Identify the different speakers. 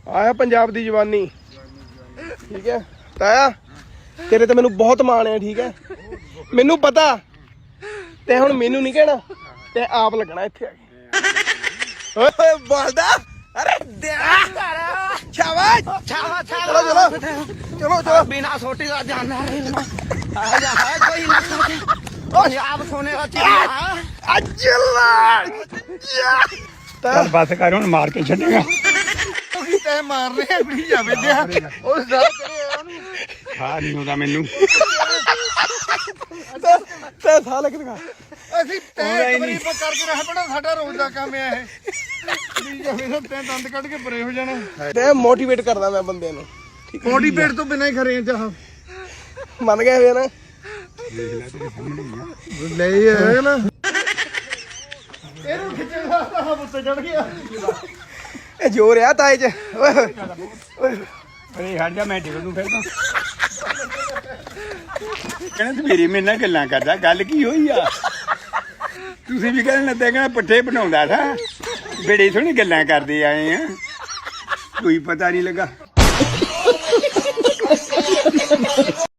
Speaker 1: ਆਇਆ ਪੰਜਾਬ ਦੀ ਜਵਾਨੀ। ਠੀਕ ਹੈ ਤਾਇਆ, ਤੇਰੇ ਤੇ ਮੈਨੂੰ ਬਹੁਤ ਮਾਣ ਹੈ। ਠੀਕ ਹੈ, ਮੈਨੂੰ ਪਤਾ ਤੇ ਹੁਣ ਮੈਨੂੰ ਨਹੀਂ ਕਹਿਣਾ, ਤੇ ਆਪ ਲੱਗਣਾ ਇੱਥੇ ਆ ਕੇ। ਓਏ ਬੋਲਦਾ, ਅਰੇ ਸ਼ਾਬਾਸ਼ ਸ਼ਾਬਾਸ਼। ਚਲੋ ਚਲੋ ਚਲੋ ਚਲੋ,
Speaker 2: बिना सोटी का जाना है कोई आप सोने का
Speaker 3: ਚੱਲ ਬਸ ਕਰ ਹੁਣ, ਮਾਰ ਕੇ ਛੱਡੇਗਾ।
Speaker 1: ਤੈ ਮਾਰਨੇ ਆਪਣੀ ਜਾਵੇ ਦਿਆ ਉਸ ਦਾ
Speaker 3: ਖਾ ਨਹੀਂ ਹੁੰਦਾ ਮੈਨੂੰ।
Speaker 1: ਤੇ ਸਾਲ ਕਿਦਾਂ
Speaker 4: ਅਸੀਂ ਤੈਂ ਨਹੀਂ ਕਰਕੇ ਰਹਿ ਪਣਾ, ਸਾਡਾ ਰੋਜ਼ ਦਾ ਕੰਮ ਹੈ ਇਹ। ਤੈਂ ਦੰਦ ਕੱਢ ਕੇ ਪਰੇ ਹੋ ਜਾਣਾ।
Speaker 1: ਤੇ ਮੋਟੀਵੇਟ ਕਰਦਾ ਮੈਂ ਬੰਦੇ ਨੂੰ।
Speaker 4: ਮੋਟੀਵੇਟ ਤੋਂ ਬਿਨਾਂ ਹੀ ਖਰੇ ਚਾਹ
Speaker 1: ਮੰਨ ਗਏ ਹੋਏ ਨਾ,
Speaker 4: ਲੈ ਇਹ ਨਾ ਇਹਨੂੰ ਖਿੱਚਣ ਵਾਸਤਾ ਹਮ ਉੱਤੇ ਚੜ ਗਿਆ।
Speaker 1: ਇਹ ਜੋਰ ਆ ਤਾਏ ਚ। ਓਏ
Speaker 3: ਅਰੇ ਹਟ ਜਾ, ਮੈਂ ਡਿੱਗ ਨੂੰ ਫਿਰ ਤਾਂ। ਕਹਿੰਦਾ ਤੂੰ ਮੇਰੀ ਮੇਰੇ ਨਾਲ ਗੱਲਾਂ ਕਰਦਾ, ਗੱਲ ਕੀ ਹੋਈ ਆ? ਤੁਸੀਂ ਵੀ ਕਹਿਣ ਲੱਗੇ ਕਹਿੰਦਾ ਪੱਠੇ ਬਣਾਉਂਦਾ ਥਾ, ਬੜੀ ਸੋਹਣੀ ਗੱਲਾਂ ਕਰਦੇ ਆਏ ਆ, ਕੋਈ ਪਤਾ ਨਹੀਂ ਲੱਗਾ।